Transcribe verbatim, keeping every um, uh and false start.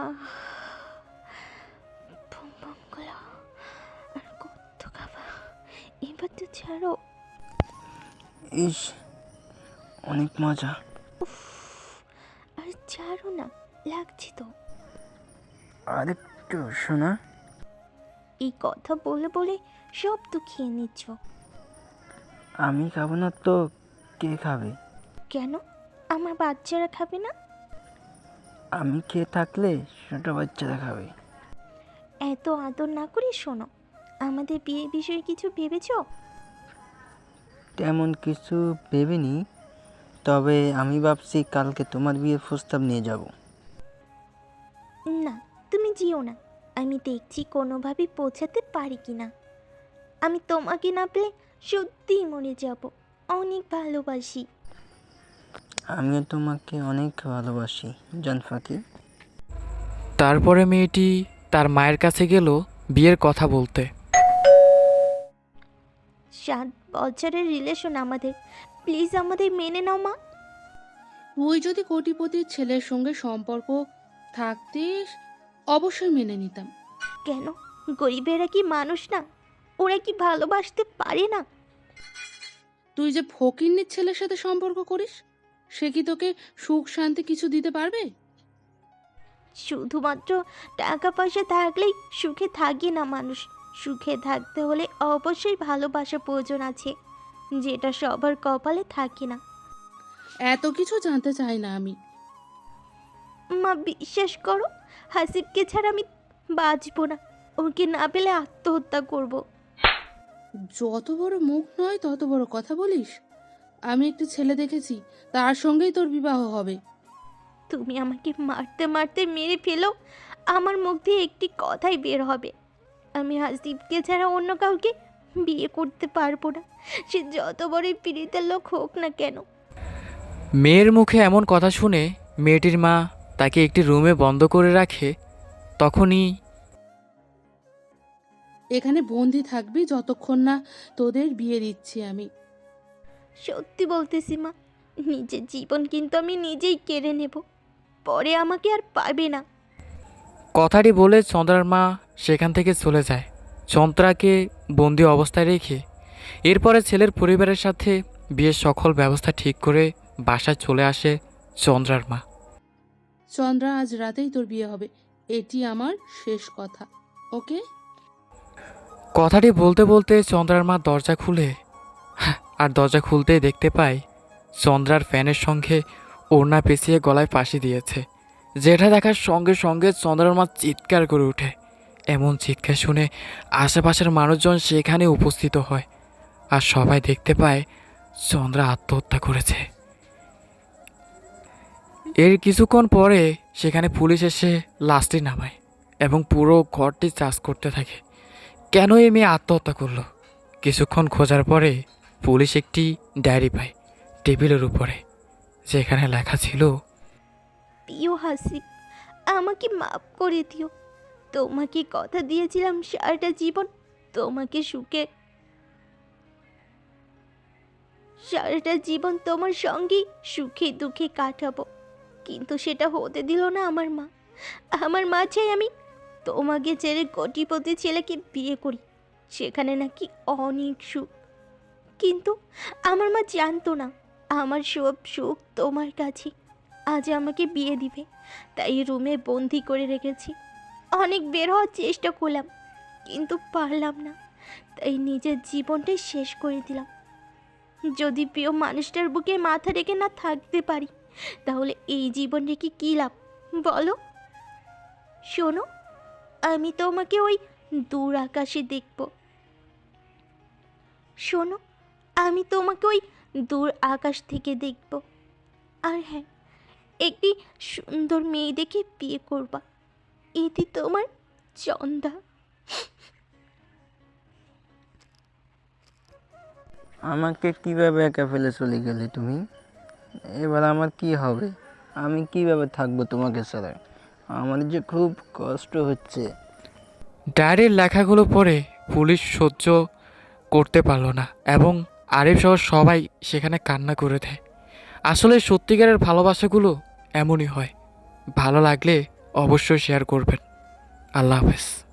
আহ ভুম ভুম গুলো আর কত খাবা, এবার তো ছাড়ো। ইস, অনেক মজা। উফ, আর ছাড়ো না, লাগছে তো। আরেকটু শোনা। এই কথা বলে বলে সব তো খেয়ে নিচ্ছ। আমি খাবো না তো কে খাবে? কেন, আমার বাচ্চারা খাবে না? আমি খেয়ে থাকলে ছোট বাচ্চারা খাবে। এত আদর না করে শোনো, আমাদের বিয়ের বিষয়ে কিছু ভেবেছো? তেমন কিছু ভেবেনি, তবে আমি ভাবছি কালকে তোমার বিয়ের প্রস্তাব নিয়ে যাব। না, তুমি যেও না। আমি দেখছি কোনোভাবে পৌঁছাতে পারি কি না। আমি তোমাকে না পেলে সত্যিই মরে যাব। অনেক ভালোবাসি। আমিও তোমাকে অনেক ভালোবাসি জানফাকি। তারপরে মেয়েটি তার মায়ের কাছে গেল বিয়ের কথা বলতে। সাত বছরের রিলেশন আমাদের, প্লিজ আমাদের মেনে নাও মা। তুই যদি কোটিপতির ছেলের সঙ্গে সম্পর্ক থাকতে অবশ্যই মেনে নিতাম। কেন, গরিবেরা কি মানুষ না? ওরা কি ভালোবাসতে পারে না? তুই যে ফকিন্নির ছেলের সাথে সম্পর্ক করিস, সে কি তোকে সুখ শান্তি কিছু দিতে পারবে? শুধুমাত্র টাকা পয়সা থাকলেই সুখে থাকে না মানুষ। সুখে থাকতে হলে অবশ্যই ভালোবাসা প্রয়োজন আছে, যেটা সবার কপালে থাকে না। এত কিছু জানতে চাই না আমি। মা বিশ্বাস করো, হাসিবকে ছাড়া আমি বাঁচবো না। ওকে না পেলে আত্মহত্যা করব। যত বড় মুখ নয় তত বড় কথা বলিস। আমি একটি ছেলে দেখেছি, তার সঙ্গেই তোর বিবাহ হবে। তুমি আমাকে মারতে মারতে মেরে ফেলো, আমার মুখ দিয়ে একটি কথাই বের হবে। আমি হাসিবকে ছাড়া অন্য কাউকে বিয়ে করতে পারবো না, সে যত বড়ই পীড়িতের লোক হোক না কেন। মেয়ের মুখে এমন কথা শুনে মেয়েটির মা তাকে একটি রুমে বন্ধ করে রাখে। তখনই এখানে বন্দি থাকবি যতক্ষণ না তোদের বিয়ে দিচ্ছি আমি। সত্যি বলতেছি মা, নিজের জীবন কিন্তু আমি নিজেই কেড়ে নেব, পরে আমাকে আর পাবে না। কথাটি বলে চন্দ্রার মা সেখান থেকে চলে যায়, চন্দ্রাকে বন্দি অবস্থায় রেখে। এরপরে ছেলের পরিবারের সাথে বিয়ের সকল ব্যবস্থা ঠিক করে বাসায় চলে আসে চন্দ্রার মা। চন্দ্রা, আজ রাতেই তোর বিয়ে হবে, এটি আমার শেষ কথা, ওকে? কথাটি বলতে বলতে চন্দ্রার মা দরজা খুলে, আর দরজা খুলতেই দেখতে পায় চন্দ্রার ফ্যানের সঙ্গে ওড়না পেঁচিয়ে গলায় ফাঁসি দিয়েছে। যেটা দেখার সঙ্গে সঙ্গে চন্দ্রার মা চিৎকার করে ওঠে। এমন চিৎকার শুনে আশেপাশের মানুষজন সেখানে উপস্থিত হয়, আর সবাই দেখতে পায় চন্দ্রা আত্মহত্যা করেছে। এর কিছুক্ষণ পরে সেখানে পুলিশ এসে লাশটি নামায় এবং পুরো ঘরটি চার্জ করতে থাকে। কেন এই মেয়ে আত্মহত্যা করলো? কিছুক্ষণ খোঁজার পরে পুলিশ একটি ডায়েরি পায় টেবিলের উপরে, যেখানে লেখা ছিল, প্রিয় হাসিব, আমাকে মাফ করে দিও। তোমাকে কথা দিয়েছিলাম সারাটা জীবন তোমাকে সুখে, সারাটা জীবন তোমার সঙ্গেই সুখে দুঃখে কাটাবো, কিন্তু সেটা হতে দিল না আমার মা। আমার মা চাই আমি তোমাকে ছেড়ে কোটিপতি ছেলেকে বিয়ে করি, সেখানে নাকি অনেক সুখ। কিন্তু আমার মা জানতো না আমার সব সুখ তোমার কাছে। আজ আমাকে বিয়ে দিবে, তাই রুমে বন্দি করে রেখেছি। অনেক বের হওয়ার চেষ্টা করলাম, কিন্তু পারলাম না, তাই নিজের জীবনটাই শেষ করে দিলাম। যদি প্রিয় মানুষটার বুকে মাথা রেখে না থাকতে পারি, তাহলে এই জীবন রেখে কী লাভ বলো? শোনো, আমি তোমাকে ওই দূর আকাশে দেখব। শোনো, আমি তোমাকে ওই দূর আকাশ থেকে দেখব। আর হ্যাঁ, একটি সুন্দর মেয়ে দেখে বিয়ে করবা। এটি তোমার চন্দা। আমাকে কিভাবে একা ফেলে চলে গেলে তুমি? এবার আমার কি হবে? আমি কিভাবে থাকবো তোমাকে ছাড়া? আমার যে খুব কষ্ট হচ্ছে। ডায়েরির লেখাগুলো পড়ে পুলিশ সহ্য করতে পারল না এবং আরিফ সহ সবাই সেখানে কান্না করে দেয়। আসলে সত্যিকারের ভালোবাসাগুলো এমনই হয়, ভালো লাগলে অবশ্যই শেয়ার করবেন। আল্লাহ হাফেজ।